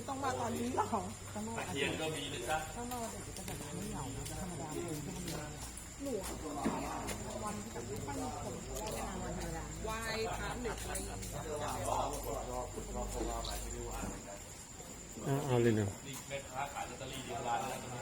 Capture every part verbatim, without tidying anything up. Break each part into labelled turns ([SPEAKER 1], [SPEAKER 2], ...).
[SPEAKER 1] ต้องมาตอนนี้หรอต้องมา
[SPEAKER 2] ตะเคียนก็มีนะจ๊ะ
[SPEAKER 1] ต้องมาเด็กจะแบบไม่เหงานะธรรมดาเองก็มีหนูวันที่แบบไม่มีคนวันธรรมดาไหว้พระหนึ่งอะไรอย่างเงี้ย
[SPEAKER 3] เอาเอาเลยเนาะ
[SPEAKER 2] นี่แม่ค้าขายลอตเตอรี่ที่ร้านแล้วนะ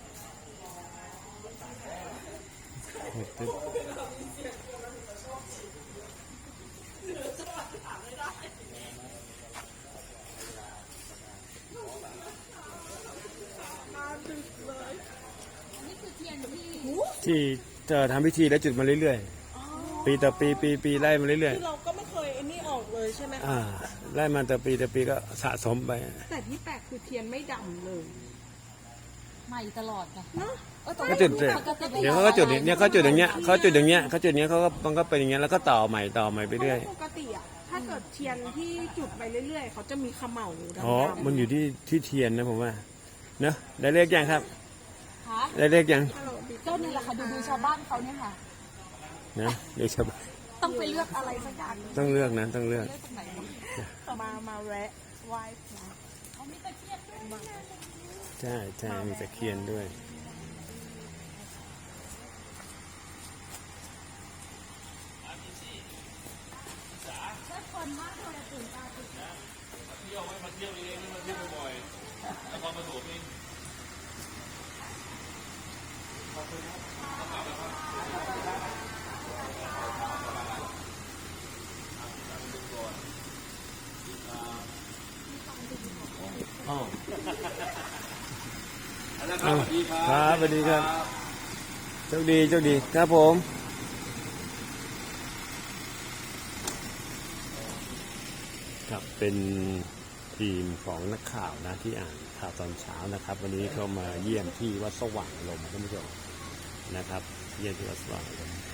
[SPEAKER 3] ที่จะทำพิธีแล้วจุดมาเรื่อยๆปีต่อปีปีปีไล่มาเรื่อย
[SPEAKER 1] คือเราก็ไม่เคยไอ้นี่ออกเลยใช่ไหม
[SPEAKER 3] ๆอ่าไล่มาต่อปีต่อปีก็สะสมไป
[SPEAKER 1] แต่ที่แปลกคือเทียนไม่ดำเลย
[SPEAKER 4] ใหม่ตลอดไง
[SPEAKER 1] เนาะ
[SPEAKER 3] ก็จุดเลยเดี๋ยวเขาก็จุดเนี่ยเขาจุดอย่างเงี้ยเขาจุดอย่างเงี้ยเขาจุดอย่างเงี้ยเขาก็มันก็เป็นอย่างเงี้ยแล้วก็ต่อใหม่ต่อใหม่ไปเรื่อย
[SPEAKER 1] ปกติอะถ้าเกิดเทียนที่จุดไปเรื่อยๆเขาจะมีขมเหลาดำๆ
[SPEAKER 3] อ๋อมันอยู่ที่ที่เทียนนะผมว่าเนอะได้เลขยังครับ
[SPEAKER 4] คะ
[SPEAKER 3] ได้เลขยัง
[SPEAKER 1] ฮัลโหลบิ๊ก
[SPEAKER 4] เจ้านี่แหละค่ะดูดูชาวบ้านเขาเนี่ยค่ะ
[SPEAKER 3] นะเดี๋ยวจะ
[SPEAKER 4] ต้องไปเลือกอะไรสักอย่าง
[SPEAKER 3] ต้องเลือกนะต้องเลือก
[SPEAKER 4] เลือกตรงไหนดี
[SPEAKER 1] มามาแวะไหว้พระ
[SPEAKER 4] เขามีตะเคียนด้วยนะ
[SPEAKER 3] ใช่ใช่มีตะเคียนด้วย
[SPEAKER 4] ได้คนมากเลยตื่นตาตื่นใจ
[SPEAKER 2] มาเที่ยวไว้มาเที่ยวเองมาเที่ยวบ่อยๆแล้วก็มาถูกเอง
[SPEAKER 3] อ๋อ
[SPEAKER 2] นะครับสวัสดีครั
[SPEAKER 3] ครับสวัสดีครับโชคดีโชคดีครับผม ครับเป็นทีมของนักข่าวนะที่อ่านข่าวตอนเช้านะครับ วันนี้เขามาเยี่ยมที่วัดสว่างลมท่านผู้ชมนะครับ เยี่ยมที่วัดสว่างลม